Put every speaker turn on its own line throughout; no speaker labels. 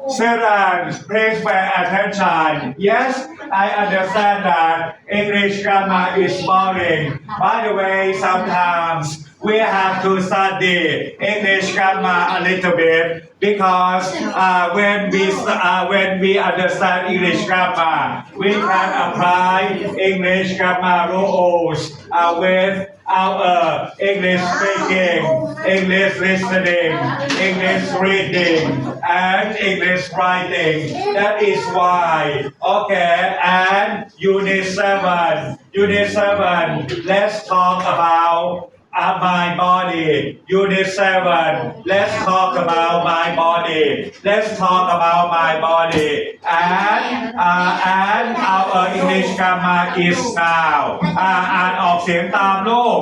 Students, please pay attention. Yes, I understand that English grammar is boring. By the way, sometimes we have to study English grammar a little bit because when we understand English grammar, we can apply English grammar rules with our English speaking, English listening, English reading, and English writing. That is why. Okay, and Unit 7. Unit 7, let's talk about my body. Unit 7, let's talk about my body. Let's talk about my body. And our English grammar is now. อ่านออกเสียงตามลูก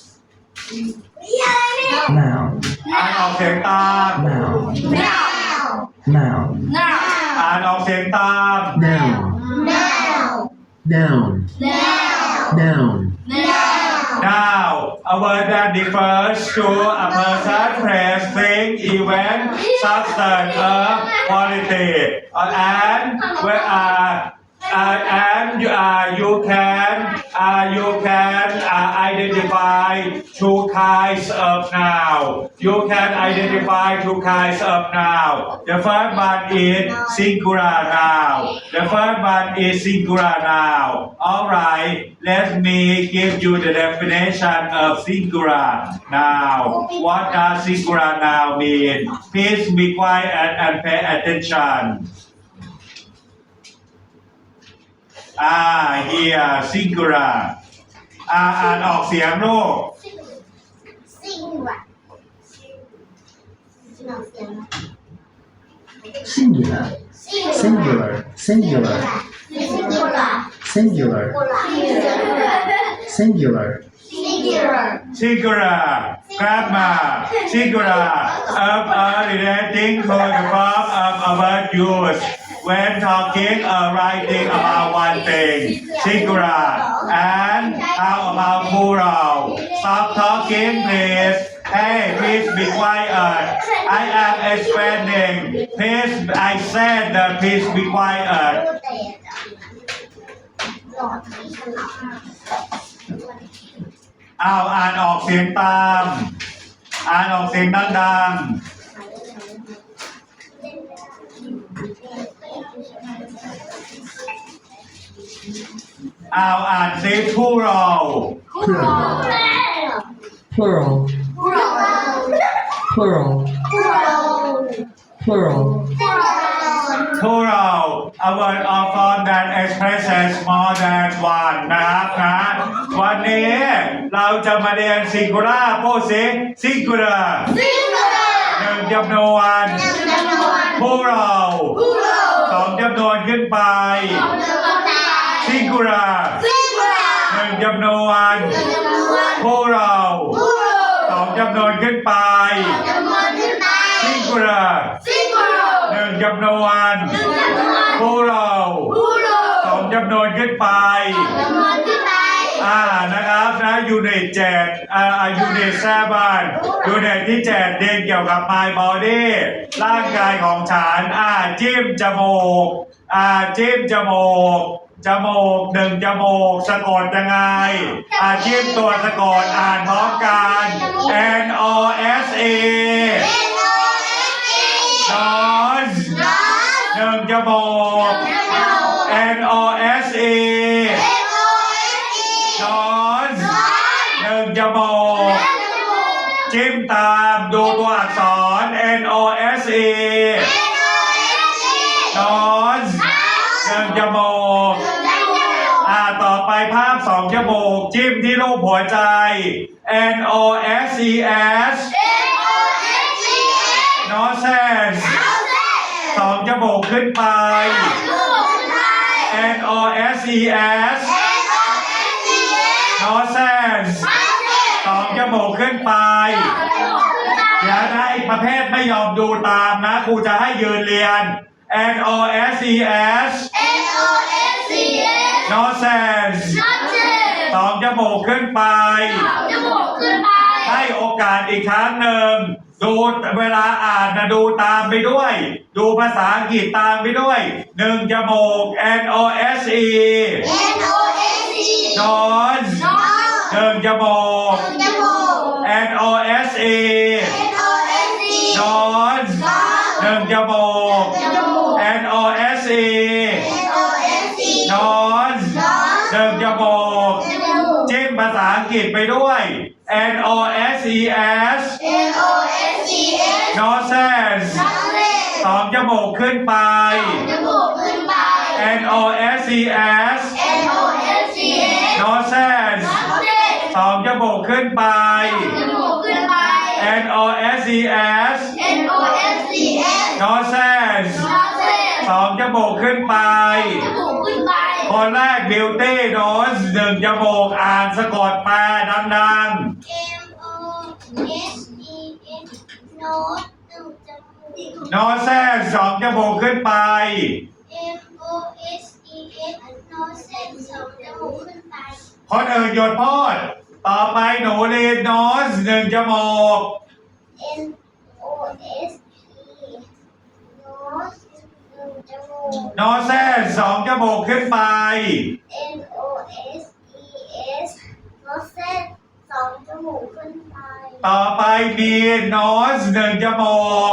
Noun.
อ่านออกเสียงตาม
Noun. Noun.
อ่านออกเสียงตาม
Noun. Noun. Noun.
Now, a word that refers to a person, place, thing, event, substance, quality, and you can identify two kinds of noun. You can identify two kinds of noun. The first one is singular noun. The first one is singular noun. All right, let me give you the definition of singular noun. What does singular noun mean? Please be quiet and pay attention. Here, singular. อ่านออกเสียงลูก
Singular. Singular. Singular. Singular. Singular.
Singular. Grammar. Singular. Relating to the form of a word used when talking or writing about one thing. Singular. And how about plural? Stop talking, please. Hey, please be quiet. I am explaining. Please, I said that please be quiet. อ่านออกเสียงตาม อ่านออกเสียงดังๆอ่านซิผู้เรา
Plural. Plural. Plural.
ผู้เรา a word of form that expresses more than one นะครับ วันนี้เราจะมาเรียน singular พูดสิ singular หนึ่งจำนวนผู้เราสองจำนวนขึ้นไป singular หนึ่งจำนวนผู้เราสองจำนวนขึ้นไป singular หนึ่งจำนวนผู้เราสองจำนวนขึ้นไปนะครับนะยูนิต7ยูนิต7ยูนิตที่7เรียนเกี่ยวกับ my body ร่างกายของฉันจิ้มจมูกจิ้มจมูกหนึ่งจมูกสะกดยังไงจิ้มตัวสะกดอ่านพร้อมกัน N O S E nose หนึ่งจมูก N O S E nose หนึ่งจมูกจิ้มตามดูตัวอักษร N O S E nose หนึ่งจมูกต่อไปภาพสองจมูกจิ้มที่รูปหัวใจ N O S E S noses สองจมูกขึ้นไป N O S E S noses สองจมูกขึ้นไปอย่าได้ประเภทไม่ยอมดูตามนะครูจะให้ยืนเรียน N O S E S noses สองจมูกขึ้นไปให้โอกาสอีกครั้งหนึ่งดูเวลาอ่านนะดูตามไปด้วย ดูภาษาอังกฤษตามไปด้วยหนึ่งจมูก N O S E nose หนึ่งจมูก N O S E nose หนึ่งจมูก N O S E nose หนึ่งจมูกจิ้มภาษาอังกฤษไปด้วย N O S E S noses สองจมูกขึ้นไป N O S E S noses สองจมูกขึ้นไป N O S E S noses สองจมูกขึ้นไป คนแรก beauty nose หนึ่งจมูกอ่านสะกดแปลดังๆ noses สองจมูกขึ้นไป คนอื่นหยุดพูดต่อไปหนูเรียน nose หนึ่งจมูก noses สองจมูกขึ้นไป ต่อไปมี nose หนึ่งจมูก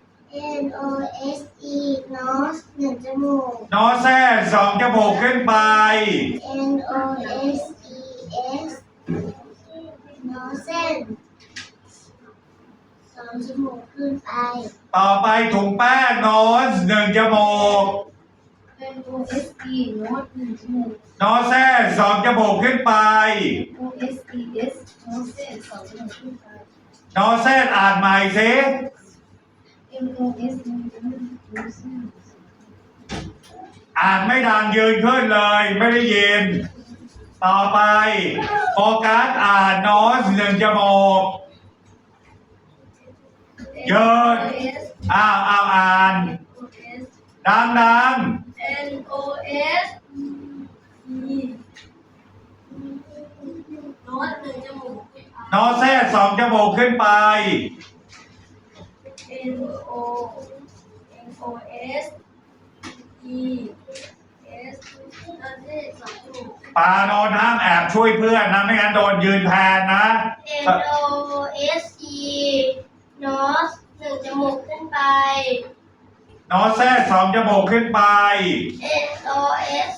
nose หนึ่งจมูก
noses สองจมูกขึ้นไป
noses nose สองจมูกขึ้นไป
ต่อไปถุงแป้ง nose หนึ่งจมูก
nose หนึ่งจมูก
noses สองจมูกขึ้นไป
noses สองจมูกขึ้นไป
noses อ่านใหม่สิ
nose
อ่านไม่ดังยืนขึ้นเลยไม่ได้ยิน ต่อไปโฟกัสอ่าน nose หนึ่งจมูกยืนอ้าวอ่านดัง
nose หนึ่งจมูก
ๆ noses สองจมูกขึ้นไป ปาโนนห้ามแอบช่วยเพื่อนนะไม่งั้นโดนยืนแทนนะ
nose nose หนึ่งจมูกขึ้นไป
noses สองจมูกขึ้นไป
noses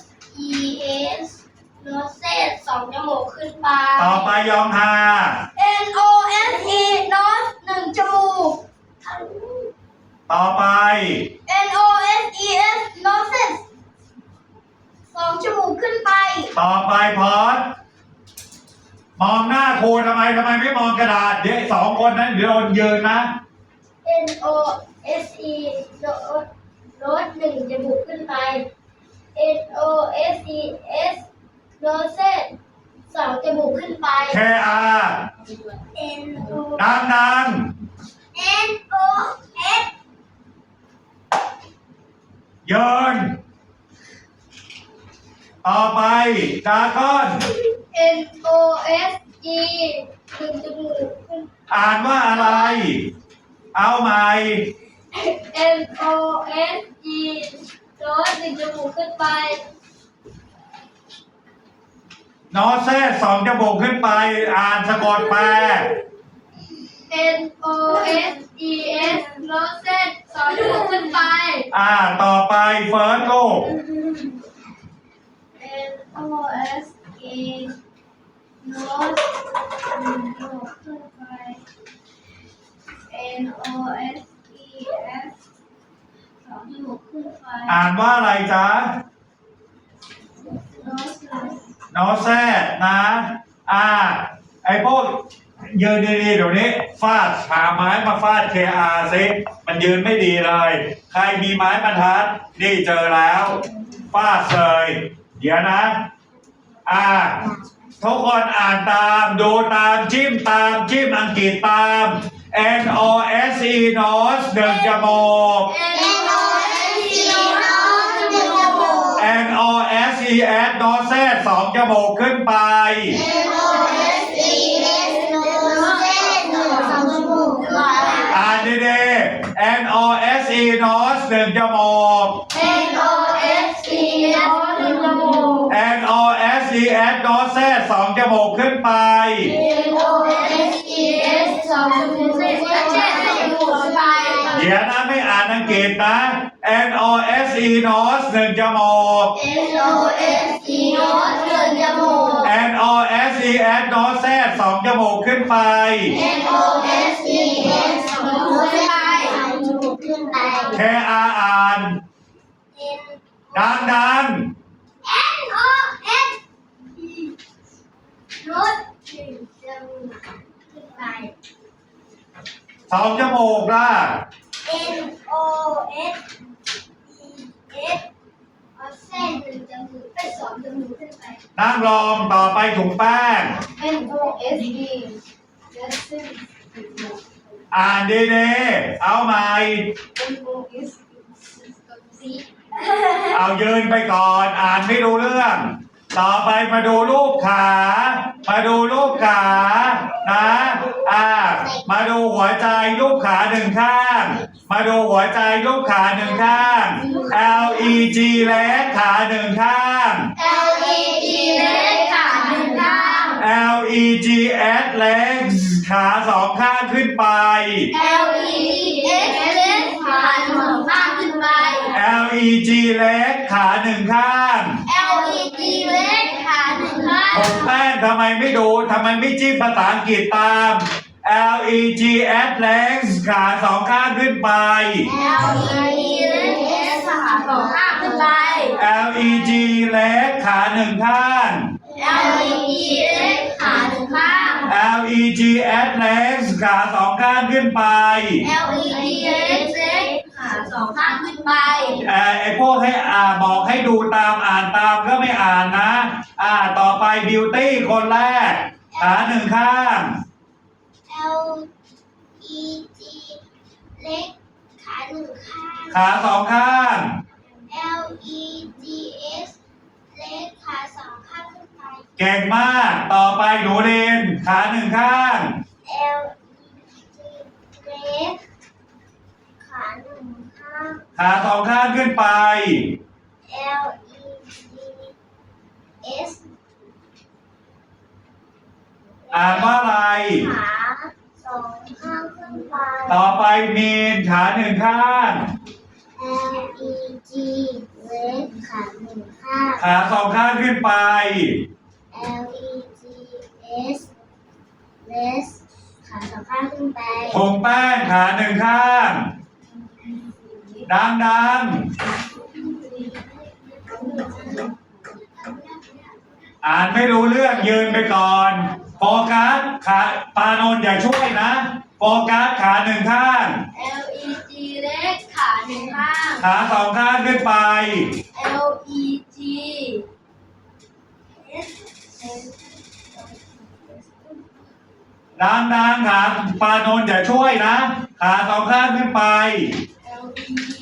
nose สองจมูกขึ้นไป
ต่อไปยองฮา
nose nose หนึ่งจมูก
ต่อไป
noses noses สองจมูกขึ้นไป
ต่อไปพอดมองหน้าครูทำไมไม่มองกระดาษเดี๋ยวสองคนนั้นเดี๋ยวโดนยืนนะ
nose nose หนึ่งจมูกขึ้นไป noses noses สองจมูกขึ้นไป
KRดัง
nose
ยืนต่อไปดราก้อน
nose หนึ่งจมูกขึ้น
อ่านว่าอะไร เอาใหม่
nose nose หนึ่งจมูกขึ้นไป
noses สองจมูกขึ้นไป อ่านสะกดแปล
noses noses สองจมูกขึ้นไป
ต่อไปเฟิร์สลูก
nose nose หนึ่งจมูกขึ้นไป noses สองจมูกขึ้นไป
อ่านว่าอะไรจ๊ะ noses นะไอพวกยืนดีๆเดี๋ยวนี้ฟาดหาไม้มาฟาด KR ซิมันยืนไม่ดีเลย ใครมีไม้บรรทัดนี่เจอแล้วฟาดเลยเดี๋ยวนะทุกคนอ่านตามดูตามจิ้มอังกฤษตาม nose nose หนึ่งจมูก noses noses สองจมูกขึ้นไปดีๆ N O S E nose หนึ่งจมูก
NOSE หนึ่งจมูก
N O S E S nose สองจมูกขึ้นไป
NOSES สองจมูกเส้นเส้นจมูกไป
เดี๋ยวนะไม่อ่านอังกฤษนะ N O S E nose หนึ่งจมูก
NOSE หนึ่งจมูก
N O S E S nose สองจมูกขึ้นไป
NOSES สองจมูกขึ้นไป
K R อ่าน ดัง
NOS รถหนึ่งจมูกขึ้นไป
ๆสองจมูกล่ะ
NOSES เอาเส้นหนึ่งจมูกไปสองจมูกขึ้นไป
นั่งลงต่อไปถุงแป้ง
NOSE และเส้น
อ่านดีๆ เอาใหม่
NOSE
เอายืนไปก่อน อ่านไม่รู้เรื่อง ต่อไปมาดูรูปขา มาดูรูปขานะมาดูหัวใจรูปขาหนึ่งข้าง มาดูหัวใจรูปขาหนึ่งข้าง L E G เล็กขาหนึ่งข้าง
LED เล็กขาหนึ่งข้าง
L E G S เล็กขาสองข้างขึ้นไป
LEDS เล็กขาหนึ่งข้างขึ้นไป
L E G เล็กขาหนึ่งข้าง
LED เล็กขาหนึ่งข้าง
ผมแป้งทำไมไม่ดูทำไมไม่จิ้มภาษาอังกฤษตาม L E G S legs ขาสองข้างขึ้นไป
LEDS ขาสองข้างขึ้นไป
L E G leg ขาหนึ่งข้าง
LEDS ขาหนึ่งข้าง
L E G S legs ขาสองข้างขึ้นไป
LEDS เล็กขาสองข้างขึ้นไป
ไอพวกให้บอกให้ดูตามอ่านตามก็ไม่อ่านนะ ต่อไป beauty คนแรก ขาหนึ่งข้าง
LED เล็กขาหนึ่งข้าง
ขาสองข้าง
LEDS เล็กขาสองข้างขึ้นไป
เก่งมาก ต่อไปหนูเรนขาหนึ่งข้าง
LED เล็กขาหนึ่งข้าง
ขาสองข้างขึ้นไป
LEDS
อ่านว่าอะไร
ขาสองข้างขึ้นไป
ต่อไปมีนขาหนึ่งข้าง
LED เล็กขาหนึ่งข้าง
ขาสองข้างขึ้นไป
LEDS เล็กขาสองข้างขึ้นไป
ผงแป้งขาหนึ่งข้าง ดังๆ อ่านไม่รู้เรื่องยืนไปก่อน โฟกัสขาปานนท์อย่าช่วยนะ โฟกัสขาหนึ่งข้าง
LED เล็กขาหนึ่งข้าง
ขาสองข้างขึ้นไป
LED
ดังๆขาปานนท์อย่าช่วยนะ ขาสองข้างขึ้นไป
LED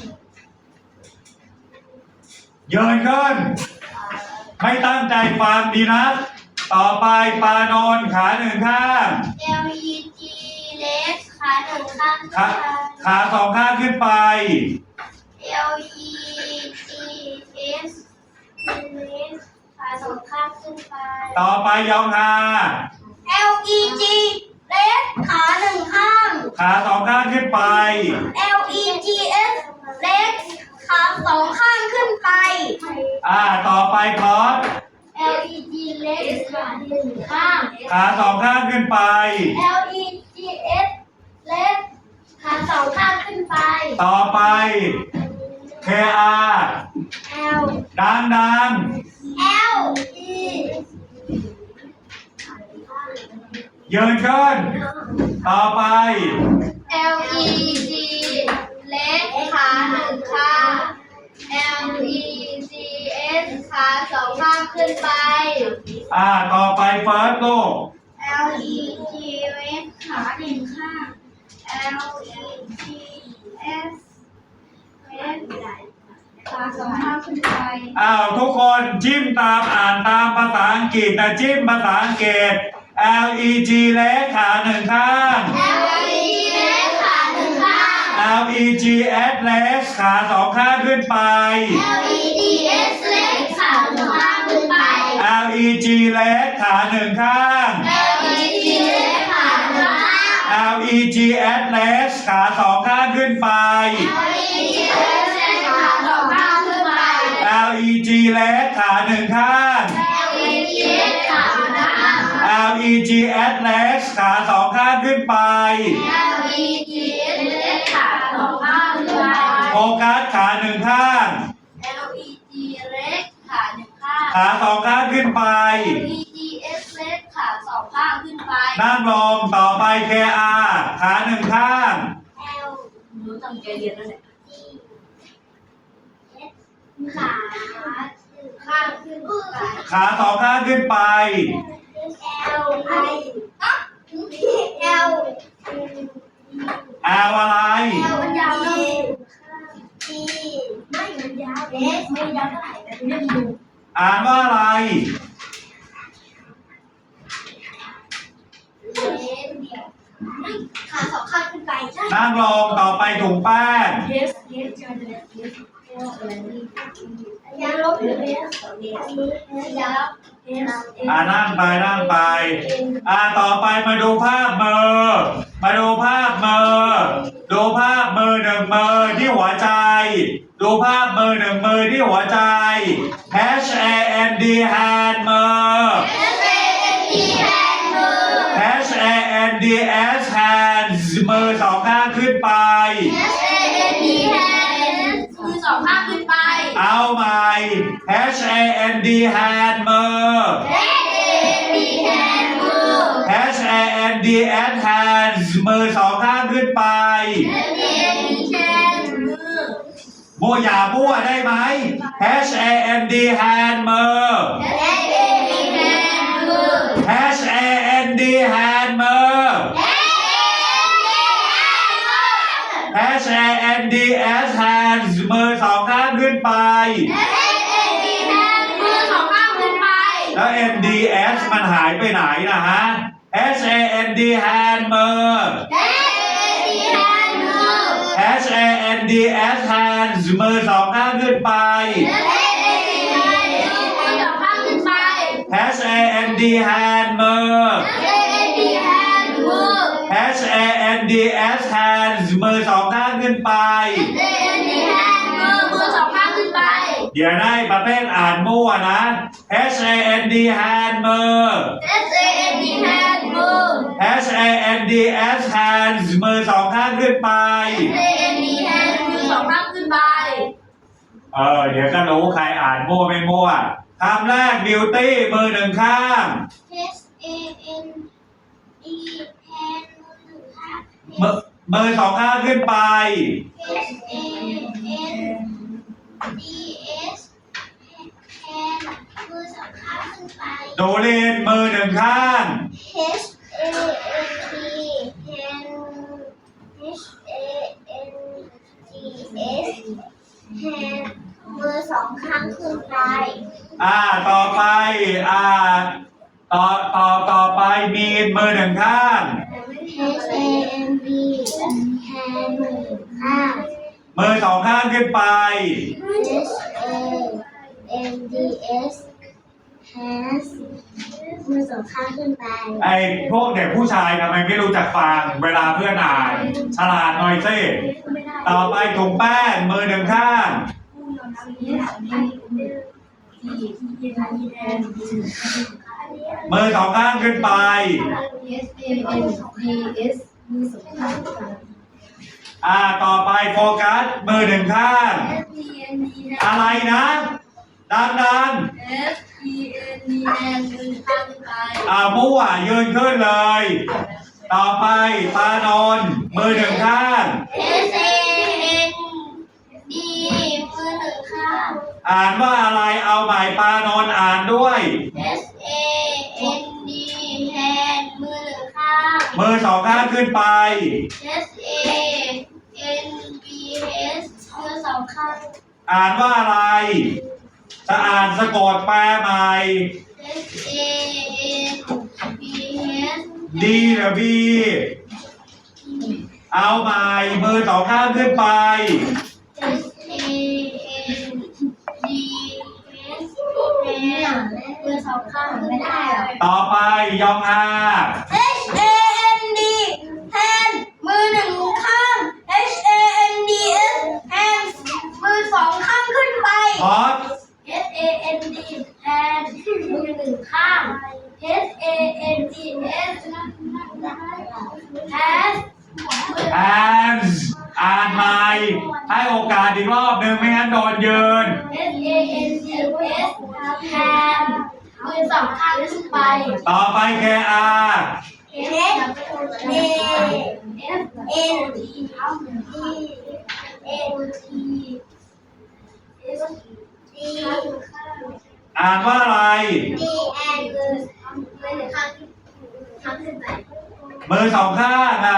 ยืนขึ้น ไม่ตั้งใจฟังดีนะ ต่อไปปานนท์ขาหนึ่งข้าง
LED เล็กขาหนึ่งข้าง
ขาสองข้างขึ้นไป
LEDS เล็กขาสองข้างขึ้นไป
ต่อไปยองฮา
LED เล็กขาหนึ่งข้าง
ขาสองข้างขึ้นไป
LEDS เล็กขาสองข้างขึ้นไป
ต่อไปพอด
LED เล็กขาหนึ่งข้าง
ขาสองข้างขึ้นไป
LEDS เล็กขาสองข้างขึ้นไป
ต่อไป KR
L
ดัง
L E
ๆยืนขึ้น ต่อไป
LED เล็กขาหนึ่งข้าง LEDS ขาสองข้างขึ้นไป
ต่อไปเฟิร์สลูก
LED เล็กขาหนึ่งข้าง LEDS เล็กขาสองข้างขึ้นไป
ทุกคนจิ้มตามอ่านตามภาษาอังกฤษแต่จิ้มภาษาอังกฤษ LEG เล็กขาหนึ่งข้าง
LED เล็กขาหนึ่ง
L E G S leg ขาสองข้างขึ้นไป
LEDS เล็กขาหนึ่งข้างขึ้นไป
L E G leg ขาหนึ่งข้าง
LED เล็กขาหนึ่งข้าง
L E G S leg ขาสองข้างขึ้นไป
LEDS เล็กขาสองข้างขึ้นไป
L E G leg ขาหนึ่งข้าง
LEDS ขาหนึ่งข้าง
L E G S leg ขาสองข้างขึ้นไป
LEDS เล็กขาสองข้างขึ้นไป
โฟกัสขาหนึ่งข้าง
LED เล็กขาหนึ่งข้าง
ขาสองข้างขึ้นไป
LEDS เล็กขาสองข้างขึ้นไป
นั่งลงต่อไป KR ขาหนึ่งข้าง
L รู้ตั้งใจเรียนแล้วเนี่ยขาข้างขึ้นไป
ขาสองข้างขึ้นไป
L I L
L อะไร
L มันยาวเลย T ไม่มันยาว S ไม่ยาวเท่าไหร่แต่เรียกดู
อ่านว่าอะไร
ขาสองข้างขึ้นไปใช่
นั่งลงต่อไปถุงแป้ง
Yes Yes จะเป็น Yes อะไรนี่ยาวลบหรือ Yes ยาว Yes
นั่งไปนั่งไป ต่อไปมาดูภาพมือ มาดูภาพมือ ดูภาพมือหนึ่งมือที่หัวใจ ดูภาพมือหนึ่งมือที่หัวใจ H A N D hand มือ H A N D S hands มือสองข้างขึ้นไป
มือสองข้างขึ้นไป
เอาใหม่ H A N D hand มือ H A N D S hands มือสองข้างขึ้นไปมั่วอย่ามั่วได้ไหม H A N D hand มือ H A N D hand มือ H A N D S hands มือสองข้างขึ้นไป แล้ว N D S มันหายไปไหนนะฮะ H A N D hand มือ H A N D S hands มือสองข้างขึ้นไป H A N D hand มือ H A N D S hands มือสองข้างขึ้นไป เดี๋ยวได้ประเภทอ่านมั่วนะ H A N D hand มือ H A N D S hands มือสองข้างขึ้นไป เดี๋ยวก็รู้ใครอ่านมั่วไม่มั่วคำแรก beauty มือหนึ่งข้าง มือสองข้างขึ้นไป ดูเรียนมือหนึ่งข้าง
มือสองข้างขึ้นไป
ต่อไปต่อไปมีนมือหนึ่งข้าง
HAND แฮนมือข้าง
มือสองข้างขึ้นไป
HANDS has มือสองข้างขึ้นไป
ไอ้พวกเด็กผู้ชายทำไมไม่รู้จักฟังเวลาเพื่อนอ่าน ฉลาดหน่อยสิต่อไปถุงแป้งมือหนึ่งข้าง มือสองข้างขึ้นไป ต่อไปโฟกัสมือหนึ่งข้าง อะไรนะ ดังมั่วยืนขึ้นเลย ต่อไปปานนท์มือหนึ่งข้าง
SAND มือหนึ่งข้าง
อ่านว่าอะไรเอาใหม่ปานนท์อ่านด้วย
SAND hand มือหนึ่งข้าง
มือสองข้างขึ้นไป
SANBS มือสองข้าง
อ่านว่าอะไร จะอ่านสะกดแปลใหม่
SANBS
D หรือ B เอาใหม่มือสองข้างขึ้นไป
มือสองข้างไม่ได้หรอ
ต่อไปยองอา
HAND hand มือหนึ่งข้าง HANDS hands มือสองข้างขึ้นไป
พอด
HAND hand มือหนึ่งข้าง HANDS hand
hands อ่านใหม่ให้โอกาสอีกรอบหนึ่งไม่งั้นโดนยืน
HANDS hand มือสองข้างขึ้นไป
ต่อไปแคอา อ่านว่าอะไร มือสองข้างอ่ะ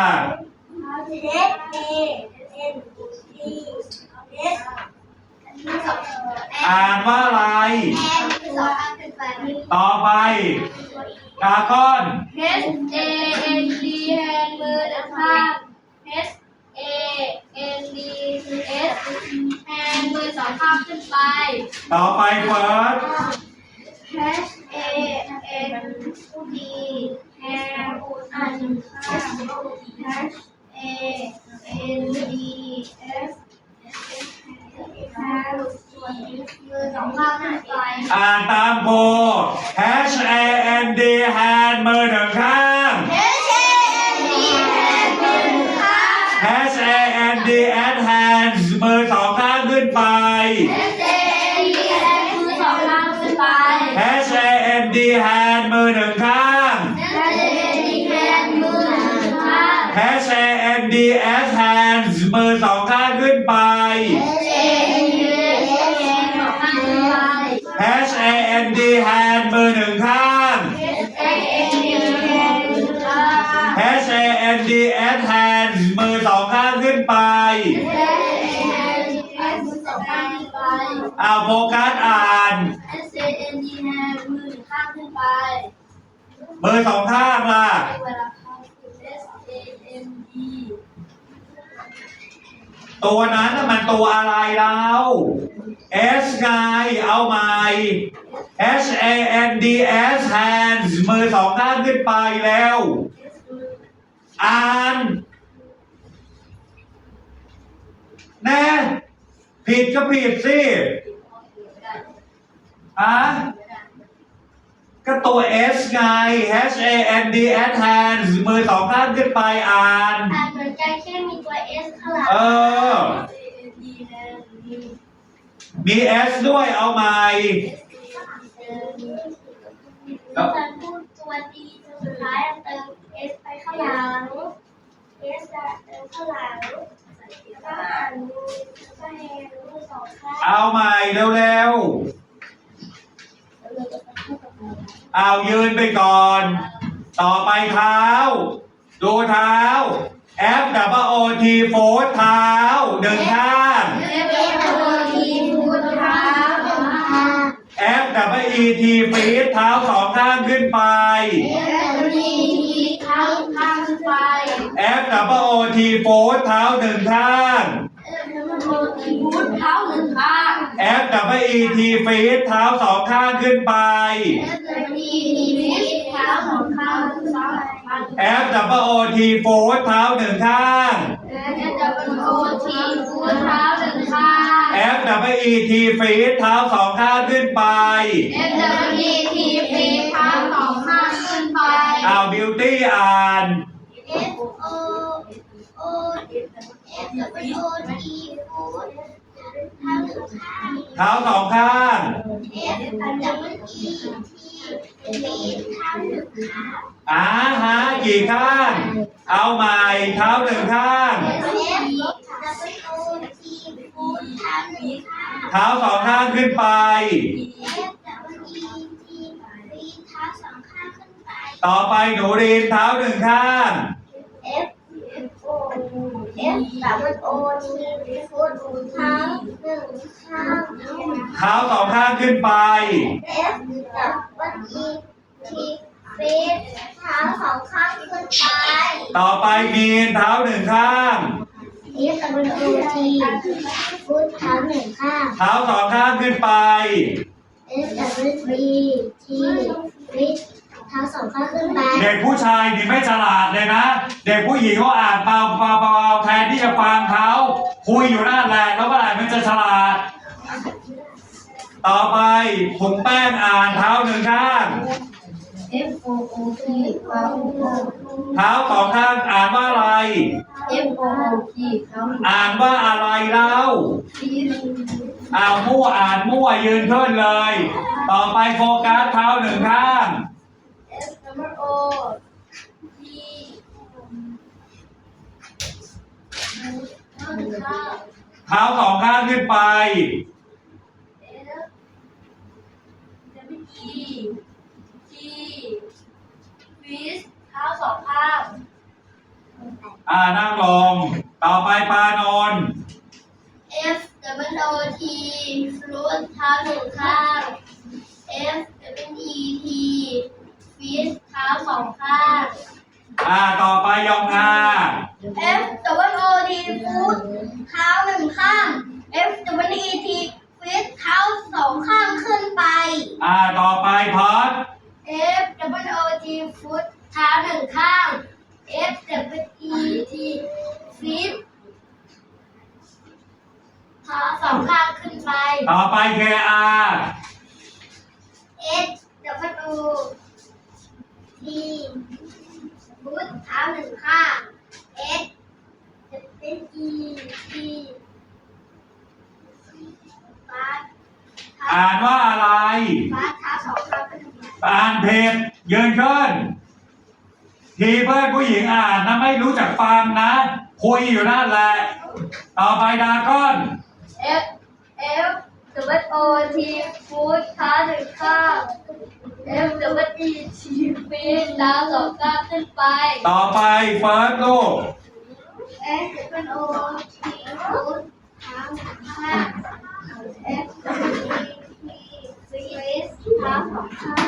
อ่านว่าอะไร ต่อไปกาก้อน
HAND hand มือข้าง HANDS hand มือสองข้างขึ้นไป
ต่อไปเฟิร์ส
HAND hand อ่านข้าง HANDSมือสองข้างขึ้นไป
อ่านตามโพ H A N D hand มือหนึ่งข้าง H A N D S hands มือสองข้างขึ้นไป H A N D hand มือหนึ่งข้าง H A N D S hands มือสองข้างขึ้นไป H A N D hand มือหนึ่งข้าง H A N D S hands มือสองข้างขึ้นไปเอาโฟกัสอ่าน มือสองข้างล่ะ ตัวนั้นน่ะมันตัวอะไรแล้ว S ไงเอาใหม่ H A N D S hands มือสองข้างขึ้นไปแล้ว อ่านแน่ผิดก็ผิดสิก็ตัว S ไง H A N D S hands มือสองข้างขึ้นไปอ่าน
เหมือนกันแค่มีตัว S ข้างหลัง
มี S ด้วยเอาใหม่
การพูดตัว D สุดท้ายเติม S ไปข้างหลัง S เติมข้างหลังก็อ่านมือก็แฮนด์มือสองข้าง
เอาใหม่เร็วๆเอายืนไปก่อน ต่อไปเท้า ดูเท้า F W O T โฟร์เท้าหนึ่งข้าง F W E T ฟีดเท้าสองข้างขึ้นไป F W O T โฟร์เท้าหนึ่งข้าง F W E T ฟีดเท้าสองข้างขึ้นไป F W O T โฟร์เท้าหนึ่งข้าง F W E T ฟีดเท้าสองข้างขึ้นไปเอา Beauty อ่าน เท้าสองข้างฮะกี่ข้าง เอาใหม่เท้าหนึ่งข้าง เท้าสองข้างขึ้นไป ต่อไปหนูรีนเท้าหนึ่งข้าง เท้าสองข้างขึ้นไป
ฟีดเท้าสองข้างขึ้นไป
ต่อไปมีนเท้าหนึ่งข้าง
F W O T ฟุตเท้าหนึ่งข้าง
เท้าสองข้างขึ้นไป
F W E T ฟิตเท้าสองข้างขึ้นไป
เด็กผู้ชายนี่ไม่ฉลาดเลยนะ เด็กผู้หญิงเขาอ่านเบาๆแทนที่จะฟังเขาคุยอยู่นั่นแหละแล้วเมื่อไหร่มันจะฉลาด ต่อไปถุงแป้งอ่านเท้าหนึ่งข้าง
F O O T เท้า
เท้าสองข้างอ่านว่าอะไร
F O O T เท้า
อ่านว่าอะไรเล่า
ฟีด
มั่วอ่านมั่วยืนขึ้นเลย ต่อไปโฟกัสเท้าหนึ่งข้าง
F W O T เท้าหนึ่งข้าง
เท้าสองข้างขึ้นไป
F W E T ฟิตเท้าสองข้าง
นั่งลง ต่อไปปานนท์
F W O T ฟลุตเท้าหนึ่งข้าง F W E T ฟิตเท้าสองข้าง
ต่อไปยองอา
F W O T ฟุตเท้าหนึ่งข้าง F W E T ฟิตเท้าสองข้างขึ้นไป
ต่อไปพอด
F W O T ฟุตเท้าหนึ่งข้าง F W E T ฟิตเท้าสองข้างขึ้นไป
ต่อไปเคอา
S W T ฟุตเท้าหนึ่งข้าง S W E T ฟาส
อ่านว่าอะไร
ฟาสเท้าสองข้างขึ้นไป
อ่านเพจยืนขึ้น ทีเพื่อนผู้หญิงอ่านนะไม่รู้จักฟังนะ คุยอยู่นั่นแหละ ต่อไปดราก้อน
F F W O T ฟุตเท้าหนึ่งข้าง F W E T ฟีตเท้าสองข้างขึ้นไป
ต่อไปเฟิร์สลูก
F W O T ฟุตเท้าหนึ่งข้าง F W E T ฟีตเท้าสองข้าง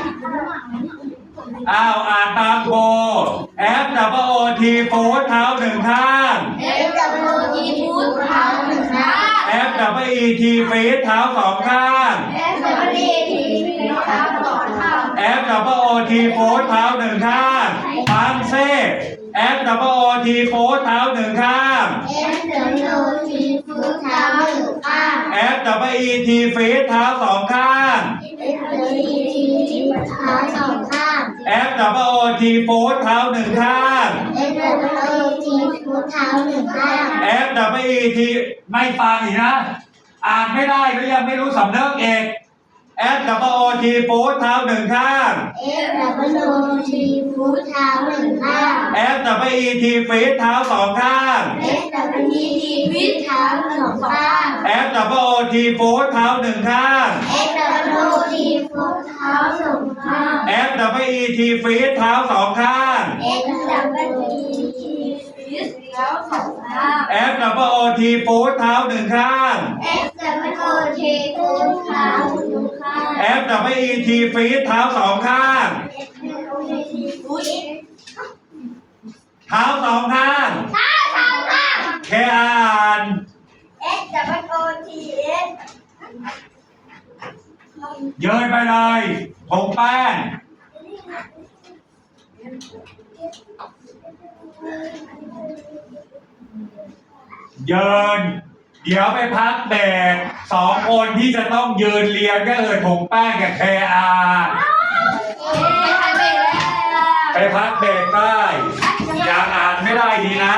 อ่านตามโบ F W O T ฟูดเท้าหนึ่งข้าง
F W O T ฟุตเท้าหนึ่งข้าง
F W E T ฟีดเท้าสองข้าง
F W E T ฟีตเท้าสองข้าง
F W O T ฟูดเท้าหนึ่งข้างฟังเซ่ F W O T ฟูดเท้าหนึ่งข้าง
F W O T ฟุตเท้าหนึ่งข้าง
F W E T ฟีดเท้าสองข้าง
F W E T เท้าสองข้าง
F W O T ฟูดเท้าหนึ่งข้าง
F W O T ฟุตเท้าหนึ่งข้าง
F W E T ไม่ฟังอีกนะ อ่านไม่ได้ก็ยังไม่รู้สำเนึกเอก F W O T ฟูดเท้าหนึ่งข้าง
F W O T ฟุตเท้าหนึ่งข้าง
F W E T ฟีดเท้าสองข้าง
F W E T ฟิตเท้าสองข้าง
F W O T ฟูดเท้าหนึ่งข้าง
F W O T ฟุตเท้าสองข้าง
F W E T ฟีดเท้าสองข้าง
F W E T ฟิตเท้าสองข้าง
F W O T ฟูดเท้าหนึ่งข้าง
F W O T ฟุตเท้าหนึ่งข้าง
F W E T ฟีดเท้าสองข้าง
F W E T ฟุต
เท้าสองข้าง
เท้าสองข้าง
เคอ่าน
S W O T S
เยินไปเลยผงแป้งเยินเดี๋ยวไปพักเบรกสองคนที่จะต้องยืนเรียนก็คือผงแป้งกับเคอา ไปพักเบรกได้ ยังอ่านไม่ได้ดีนะ